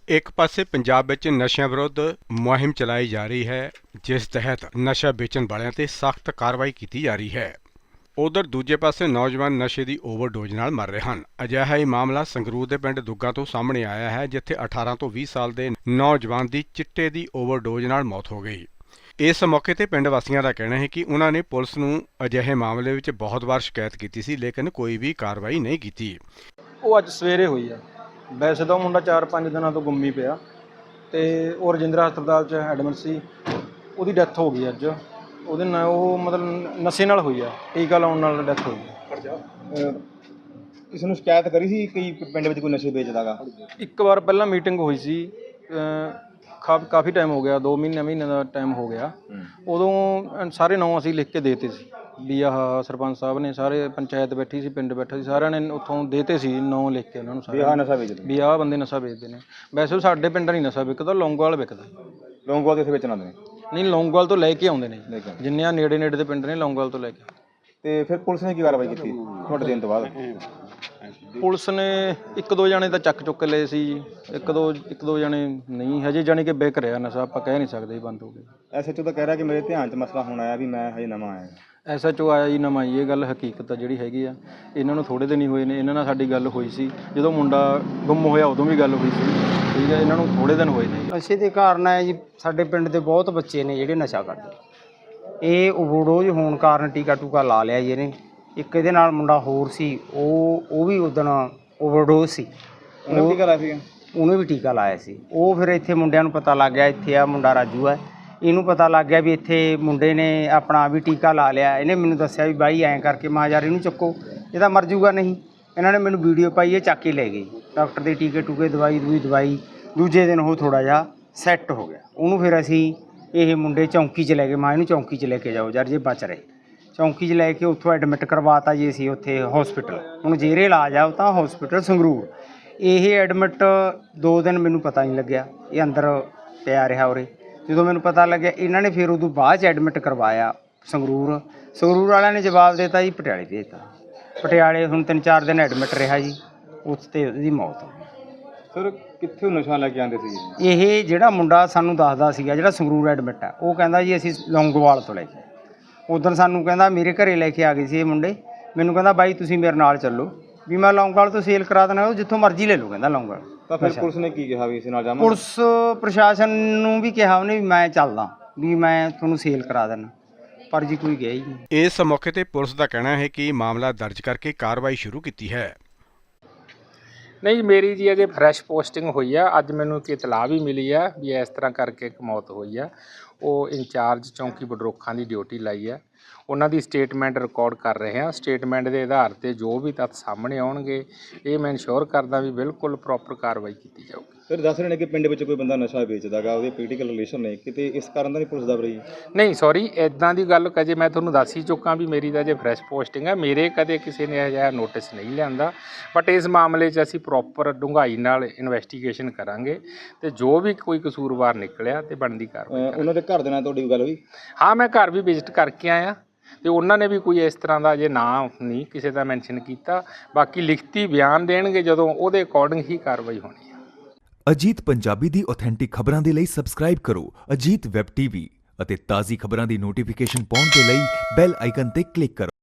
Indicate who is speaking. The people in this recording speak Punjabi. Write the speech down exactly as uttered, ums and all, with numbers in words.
Speaker 1: एक पासे पंजाब विच नशिਆਂ विरुद्ध मुहिम चलाई जा रही है, जिस तहत नशा बेचण वालिਆਂ ਤੇ सख्त कार्रवाई की जा रही है। उधर दूजे पासे नौजवान नशे की ओवरडोज नाल मर रहे हैं। अजिहा ही मामला संगरूर के पिंड दुग्गा तो सामने आया है, जिथे अठारह तो बीस साल के नौजवान की चिट्टे की ओवरडोज नाल मौत हो गई। इस मौके पर पिंड वासियों का कहना है कि उन्होंने पुलिस नूं अजिहे मामले में बहुत बार शिकायत की सी, लेकिन कोई भी कार्रवाई नहीं की।
Speaker 2: ਉਹ ਅੱਜ ਸਵੇਰੇ ਹੋਈ ਆ। ਵੈਸੇ ਤਾਂ ਉਹ ਮੁੰਡਾ ਚਾਰ ਪੰਜ ਦਿਨਾਂ ਤੋਂ ਗੁੰਮੀ ਪਿਆ ਤੇ ਉਹ ਰਜਿੰਦਰਾ ਹਸਪਤਾਲ 'ਚ ਐਡਮਿਟ ਸੀ। ਉਹਦੀ ਡੈਥ ਹੋ ਗਈ ਅੱਜ। ਉਹਦੇ ਨਾਲ ਉਹ ਮਤਲਬ ਨਸ਼ੇ ਨਾਲ ਹੋਈ ਆ, ਟੀਕਾ ਲਾਉਣ ਨਾਲ ਡੈਥ ਹੋਈ ਆ।
Speaker 3: ਕਿਸੇ ਨੂੰ ਸ਼ਿਕਾਇਤ ਕਰੀ ਸੀ ਕਿ ਪਿੰਡ ਵਿੱਚ ਕੋਈ ਨਸ਼ੇ ਵੇਚਦਾ ਗਾ?
Speaker 2: ਇੱਕ ਵਾਰ ਪਹਿਲਾਂ ਮੀਟਿੰਗ ਹੋਈ ਸੀ, ਖਾ ਕਾਫੀ ਟਾਈਮ ਹੋ ਗਿਆ, ਦੋ ਮਹੀਨੇ ਮਹੀਨੇ ਦਾ ਟਾਈਮ ਹੋ ਗਿਆ। ਉਦੋਂ ਸਾਰੇ ਨਾਂ ਅਸੀਂ ਲਿਖ ਕੇ ਦੇਤੇ ਸੀ ਵੀ ਆਹ ਸਰਪੰਚ ਸਾਹਿਬ ਨੇ, ਸਾਰੇ ਪੰਚਾਇਤ ਬੈਠੀ ਸੀ, ਪਿੰਡ ਬੈਠਾ ਸੀ, ਸਾਰਿਆਂ ਨੇ ਉੱਥੋਂ ਦੇਤੇ ਸੀ ਨਾਂ ਲਿਖ ਕੇ ਉਹਨਾਂ ਨੂੰ ਸਾਰੇ,
Speaker 3: ਆਹ ਨਸ਼ਾ ਵੇਚਦੇ
Speaker 2: ਵੀ ਆਹ ਬੰਦੇ ਨਸ਼ਾ ਵੇਚਦੇ ਨੇ। ਵੈਸੇ ਉਹ ਸਾਡੇ ਪਿੰਡ ਨਹੀਂ ਨਸ਼ਾ ਵਿਕਦਾ, ਲੌਂਗੋਵਾਲ ਵਿਕਦਾ।
Speaker 3: ਲੌਂਗੋਵਾਲ ਦੇ ਇੱਥੇ ਵੇਚਣ ਆਉਂਦੇ ਨੇ?
Speaker 2: ਨਹੀਂ, ਲੌਂਗੋਵਾਲ ਤੋਂ ਲੈ ਕੇ ਆਉਂਦੇ ਨੇ, ਜਿੰਨੇ ਆ ਨੇੜੇ ਨੇੜੇ ਦੇ ਪਿੰਡ ਨੇ ਲੌਂਗੋਵਾਲ ਤੋਂ ਲੈ ਕੇ।
Speaker 3: ਤੇ ਫਿਰ ਪੁਲਿਸ ਨੇ ਕੀ ਕਾਰਵਾਈ ਕੀਤੀ ਤੁਹਾਡੇ ਦੇਣ ਤੋਂ ਬਾਅਦ?
Speaker 2: ਪੁਲਿਸ ਨੇ ਇੱਕ ਦੋ ਜਣੇ ਤਾਂ ਚੱਕ ਚੁੱਕ ਲਏ ਸੀ, ਇੱਕ ਦੋ ਇੱਕ ਦੋ ਜਣੇ ਨਹੀਂ, ਹਜੇ ਜਾਣੀ ਕਿ ਵਿਕ ਰਿਹਾ ਨਸ਼ਾ, ਆਪਾਂ ਕਹਿ ਨਹੀਂ ਸਕਦੇ ਬੰਦ ਹੋ ਗਿਆ।
Speaker 3: ਐਸ ਐਚ ਓ ਤਾਂ ਕਹਿ ਰਿਹਾ ਕਿ ਮੇਰੇ ਧਿਆਨ 'ਚ ਮਸਲਾ ਹੁਣ ਆਇਆ ਵੀ ਮੈਂ ਹਜੇ ਨਵਾਂ ਆਇਆ।
Speaker 2: ਐਸ ਐਚ ਓ ਆਇਆ ਜੀ ਨਵਾਂ ਹੀ, ਇਹ ਗੱਲ ਹਕੀਕਤ ਆ ਜਿਹੜੀ ਹੈਗੀ ਆ। ਇਹਨਾਂ ਨੂੰ ਥੋੜ੍ਹੇ ਦਿਨ ਹੀ ਹੋਏ ਨੇ, ਇਹਨਾਂ ਨਾਲ ਸਾਡੀ ਗੱਲ ਹੋਈ ਸੀ ਜਦੋਂ ਮੁੰਡਾ ਗੁੰਮ ਹੋਇਆ, ਉਦੋਂ ਵੀ ਗੱਲ ਹੋਈ ਸੀ, ਠੀਕ ਹੈ। ਇਹਨਾਂ ਨੂੰ ਥੋੜ੍ਹੇ ਦਿਨ ਹੋਏ ਨੇ।
Speaker 4: ਨਸ਼ੇ ਦੇ ਕਾਰਨ ਹੈ ਜੀ, ਸਾਡੇ ਪਿੰਡ ਦੇ ਬਹੁਤ ਬੱਚੇ ਨੇ ਜਿਹੜੇ ਨਸ਼ਾ ਕਰਦੇ। ਇਹ ਓਵਰਡੋਜ਼ ਹੋਣ ਕਾਰਨ ਟੀਕਾ ਟੂਕਾ ਲਾ ਲਿਆ ਜੀ ਇਹਨੇ। ਇੱਕ ਇਹਦੇ ਨਾਲ ਮੁੰਡਾ ਹੋਰ ਸੀ, ਉਹ ਉਹ ਵੀ ਉਦਣ ਓਵਰਡੋਜ਼ ਸੀ,
Speaker 3: ਉਹਨੇ ਟੀਕਾ ਲਾਇਆ ਸੀਗਾ,
Speaker 4: ਉਹਨੇ ਵੀ ਟੀਕਾ ਲਾਇਆ ਸੀ। ਉਹ ਫਿਰ ਇੱਥੇ ਮੁੰਡਿਆਂ ਨੂੰ ਪਤਾ ਲੱਗ ਗਿਆ, ਇੱਥੇ ਆ ਮੁੰਡਾ ਰਾਜੂ ਹੈ, ਇਹਨੂੰ ਪਤਾ ਲੱਗ ਗਿਆ ਵੀ ਇੱਥੇ ਮੁੰਡੇ ਨੇ ਆਪਣਾ ਵੀ ਟੀਕਾ ਲਾ ਲਿਆ। ਇਹਨੇ ਮੈਨੂੰ ਦੱਸਿਆ ਵੀ ਬਾਈ ਐਂ ਕਰਕੇ, ਮੈਂ ਯਾਰ ਇਹਨੂੰ ਚੱਕੋ, ਇਹ ਤਾਂ ਮਰ ਜੂਗਾ ਨਹੀਂ। ਇਹਨਾਂ ਨੇ ਮੈਨੂੰ ਵੀਡੀਓ ਪਾਈ, ਇਹ ਚੱਕ ਕੇ ਲੈ ਗਏ ਡਾਕਟਰ ਦੇ ਟੀਕੇ ਟੂਕੇ, ਦਵਾਈ ਦੂਈ ਦਵਾਈ। ਦੂਜੇ ਦਿਨ ਉਹ ਥੋੜ੍ਹਾ ਜਿਹਾ ਸੈੱਟ ਹੋ ਗਿਆ। ਉਹਨੂੰ ਫਿਰ ਅਸੀਂ ਇਹ ਮੁੰਡੇ ਚੌਂਕੀ 'ਚ ਲੈ ਗਏ, ਮਾਂ ਇਹਨੂੰ ਚੌਂਕੀ 'ਚ ਲੈ ਕੇ ਜਾਓ ਯਾਰ ਜੇ ਬਚ ਰਹੇ। ਚੌਂਕੀ 'ਚ ਲੈ ਕੇ ਉੱਥੋਂ ਐਡਮਿਟ ਕਰਵਾਤਾ ਜੀ ਅਸੀਂ ਉੱਥੇ ਹੌਸਪੀਟਲ। ਹੁਣ ਜੇਰੇ ਇਲਾਜ ਆ ਉਹ ਤਾਂ ਹੌਸਪੀਟਲ ਸੰਗਰੂਰ। ਇਹ ਐਡਮਿਟ ਦੋ ਦਿਨ ਮੈਨੂੰ ਪਤਾ ਨਹੀਂ ਲੱਗਿਆ, ਇਹ ਅੰਦਰ ਪਿਆ ਰਿਹਾ ਉਰੇ। ਜਦੋਂ ਮੈਨੂੰ ਪਤਾ ਲੱਗਿਆ, ਇਹਨਾਂ ਨੇ ਫਿਰ ਉਦੋਂ ਬਾਅਦ 'ਚ ਐਡਮਿਟ ਕਰਵਾਇਆ ਸੰਗਰੂਰ। ਸੰਗਰੂਰ ਵਾਲਿਆਂ ਨੇ ਜਵਾਬ ਦਿੱਤਾ ਜੀ ਪਟਿਆਲੇ ਭੇਜਤਾ। ਪਟਿਆਲੇ ਹੁਣ ਤਿੰਨ ਚਾਰ ਦਿਨ ਐਡਮਿਟ ਰਿਹਾ ਜੀ, ਉਸ 'ਤੇ ਉਹਦੀ ਮੌਤ ਹੋ ਗਈ।
Speaker 3: ਸਰ ਕਿੱਥੋਂ ਨਸ਼ਾ ਲੈ ਕੇ ਆਉਂਦੇ ਸੀ?
Speaker 4: ਇਹ ਜਿਹੜਾ ਮੁੰਡਾ ਸਾਨੂੰ ਦੱਸਦਾ ਸੀਗਾ, ਜਿਹੜਾ ਸੰਗਰੂਰ ਐਡਮਿਟ ਆ, ਉਹ ਕਹਿੰਦਾ ਜੀ ਅਸੀਂ ਲੌਂਗੋਵਾਲ ਤੋਂ ਲੈ ਕੇ। ਉਦੋਂ ਸਾਨੂੰ ਕਹਿੰਦਾ ਮੇਰੇ ਘਰੇ ਲੈ ਕੇ ਆ ਗਏ ਸੀ ਇਹ ਮੁੰਡੇ। ਮੈਨੂੰ ਕਹਿੰਦਾ ਬਾਈ ਤੁਸੀਂ ਮੇਰੇ ਨਾਲ ਚੱਲੋ, ਵੀ ਮੈਂ ਲੌਂਗੋਵਾਲ ਤੋਂ ਸੇਲ ਕਰਾ ਦੇਣਾ, ਉਹ ਜਿੱਥੋਂ ਮਰਜ਼ੀ ਲੈ ਲਓ ਕਹਿੰਦਾ ਲੌਂਗੋਵਾਲ।
Speaker 3: ਤਾਂ ਫਿਰ ਪੁਲਿਸ ਨੇ ਕੀ ਕਿਹਾ ਵੀ ਇਸ ਨਾਲ ਜਾਵਾਂ?
Speaker 4: ਪੁਲਿਸ ਪ੍ਰਸ਼ਾਸਨ ਨੂੰ ਵੀ ਕਿਹਾ ਉਹਨੇ ਵੀ ਮੈਂ ਚੱਲਦਾ, ਵੀ ਮੈਂ ਤੁਹਾਨੂੰ ਸੇਲ ਕਰਾ ਦੇਣਾ, ਪਰ ਜੀ ਕੋਈ ਗਿਆ ਹੀ ਨਹੀਂ।
Speaker 1: इस मौके पर पुलिस का कहना है कि मामला दर्ज करके कार्रवाई शुरू की है।
Speaker 5: नहीं, मेरी जी अजे फ्रैश पोस्टिंग हुई है। अज मैनू एक इतलाह भी मिली है भी इस तरह करके एक मौत हुई है। वो इंचार्ज चौंकी बडरोखा की ड्यूटी लाई है, उन्होंने स्टेटमेंट रिकॉर्ड कर रहे हैं। स्टेटमेंट के आधार पर जो भी तत्थ सामने आउणगे, ये मैं इंश्योर करदा भी बिल्कुल प्रॉपर कार्रवाई की जाऊगी।
Speaker 3: ਫਿਰ ਦੱਸ ਰਹੇ ਨੇ ਕਿ ਪਿੰਡ ਵਿੱਚ ਕੋਈ ਬੰਦਾ ਨਸ਼ਾ ਵੇਚਦਾ ਗਾ, ਉਹਦੇ ਪੋਲੀਟੀਕਲ ਰਿਲੇਸ਼ਨ ਨੇ ਕਿਤੇ, ਇਸ ਕਾਰਨ ਤਾਂ ਨਹੀਂ ਪੁਲਿਸ ਦਬ ਰਹੀ?
Speaker 5: नहीं सॉरी, इदां दी गल कजे मैं तुहानूं दस ही चुका भी मेरी तां जे फ्रैश पोस्टिंग है, मेरे कदे किसी ने अजिहा नोटिस नहीं लिआंदा। बट इस मामले 'च असीं प्रॉपर डूंघाई नाल इन्वैस्टीगेशन करांगे ते जो भी कोई कसूरवार निकलिया ते बनदी कार्रवाई।
Speaker 3: ਉਹਨਾਂ ਦੇ ਘਰ ਦੇ ਨਾਲ ਤੁਹਾਡੀ ਗੱਲ ਹੋਈ?
Speaker 5: हाँ, मैं घर भी विजिट करके आया ਤੇ ਉਹਨਾਂ ਨੇ ਵੀ ਕੋਈ ਇਸ ਤਰ੍ਹਾਂ ਦਾ ਜੇ ਨਾਂ ਨਹੀਂ ਕਿਸੇ ਦਾ ਮੈਂਸ਼ਨ ਕੀਤਾ। ਬਾਕੀ ਲਿਖਤੀ ਬਿਆਨ ਦੇਣਗੇ ਜਦੋਂ, ਉਹਦੇ ਅਕੋਰਡਿੰਗ ਹੀ ਕਾਰਵਾਈ ਹੋਣੀ ਹੈ।
Speaker 6: ਅਜੀਤ ਪੰਜਾਬੀ ਦੀ ਆਥੈਂਟਿਕ ਖਬਰਾਂ ਦੇ ਲਈ ਸਬਸਕ੍ਰਾਈਬ ਕਰੋ ਅਜੀਤ ਵੈਬ ਟੀਵੀ ਅਤੇ ਤਾਜ਼ੀ ਖਬਰਾਂ ਦੀ ਨੋਟੀਫਿਕੇਸ਼ਨ ਪਾਉਣ ਦੇ ਲਈ ਬੈਲ ਆਈਕਨ ਤੇ ਕਲਿੱਕ ਕਰੋ।